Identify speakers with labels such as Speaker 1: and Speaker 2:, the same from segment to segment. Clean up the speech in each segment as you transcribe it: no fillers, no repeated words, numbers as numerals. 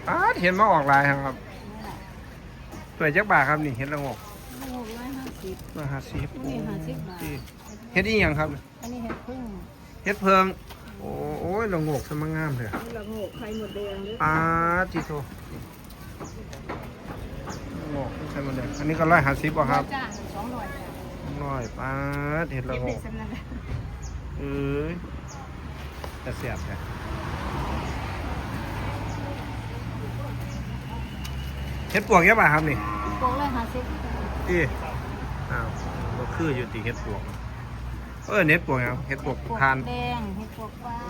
Speaker 1: เห็นมาออกลายครับตัวจักบาทครับนี่เห็ดละงก
Speaker 2: 150
Speaker 1: 150
Speaker 2: นี่50 บาท
Speaker 1: เห็ดอีหยังครับ
Speaker 2: อันนี้เห็ดพึ่ง
Speaker 1: เห็ดเพิงโอ้ยละงกสมังงามเลย
Speaker 2: นี่ละโงกไข่หมดแดงด้วย
Speaker 1: จิโตละงกใช่หมดเลยอันนี้ก็150ป่ะครับ
Speaker 2: จ้า200จ้า
Speaker 1: เห็ดละง
Speaker 2: เด็
Speaker 1: ก
Speaker 2: ดๆสำนัก
Speaker 1: เอ้ยจะเสียบเลยเห็ดปวกเยอะป่ะครับนี่
Speaker 2: โกง150
Speaker 1: อีก็คืออยู่ตีเห็ดปวกเห็ดปวกครับเห็ดปวกทาน
Speaker 2: แดงเห็ดพวกฟ้าน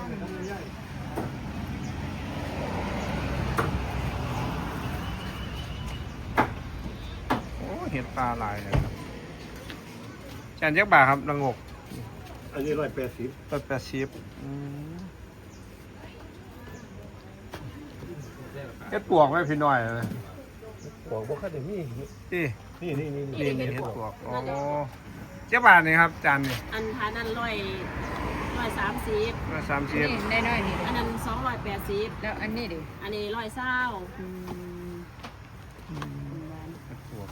Speaker 1: เห็ดปลาลายเลยครับจานยักษ์บาทครับละงก
Speaker 3: อันนี้180
Speaker 1: 180เห็ดปวกไหมพี่น้อยเลย
Speaker 3: บอกว่าแค่นี้นี่
Speaker 1: นี่เห็ดปวกเจ้าบาทนี่ครับจานนี่
Speaker 2: อันทานั้น130
Speaker 1: 130
Speaker 4: ได้น้อยนี่
Speaker 2: อันนั้น280
Speaker 4: แล้วอันนี้ดิ
Speaker 2: อันนี้120
Speaker 1: เห็ดปวก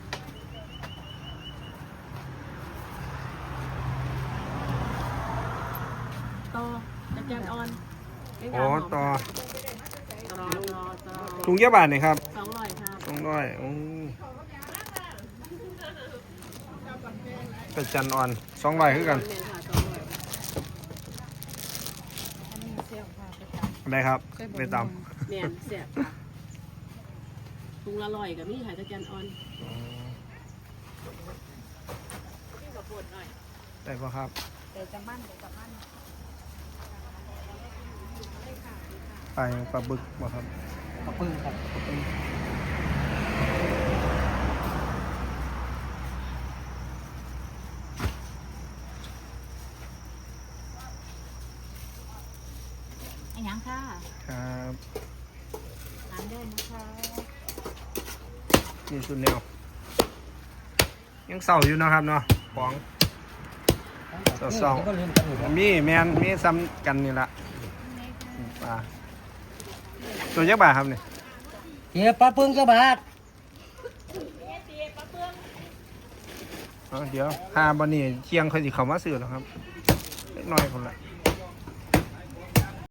Speaker 2: ต่อตะแกรงอ่อน
Speaker 1: ต่อ
Speaker 2: ต่อ
Speaker 1: ถุงเจ้าบาทนี่ครับ
Speaker 2: 200ครับ
Speaker 1: เป็ดจันอ่อน200คือกัน
Speaker 4: อันนี้เซลล์ค่ะ
Speaker 1: ได้ครับไปต
Speaker 2: แม่นเสียบค่ะถุงละ100กับมีขายตะแกรงอ่อนพี่ขอปวดหน่อย
Speaker 1: ำได้ป่ะครับ
Speaker 4: เดี๋ยวจะมั่นเดี๋ยวจะมั่น
Speaker 1: ไปปลาบึกป่ะครับ
Speaker 3: ขอบคุณครับ
Speaker 4: อันยังค่ะ
Speaker 1: ครับ
Speaker 4: ทานได้นะคะ
Speaker 1: นี่สุดแนวยังเศร้าอยู่นะครับเนาะของเศร้า
Speaker 3: ก็เล่นกันอยู่ครับ
Speaker 1: มีซ้ำกันนี่ละปลาตัวยักษ์บาทครับเนี่ย
Speaker 3: เฮียปลาปึ้งเจ้าบาท
Speaker 1: เดี๋ยวหาบันนี่เที่ยงค่อยสิเข้ามาซื้อแล้วครับเล็กน้อยคนละ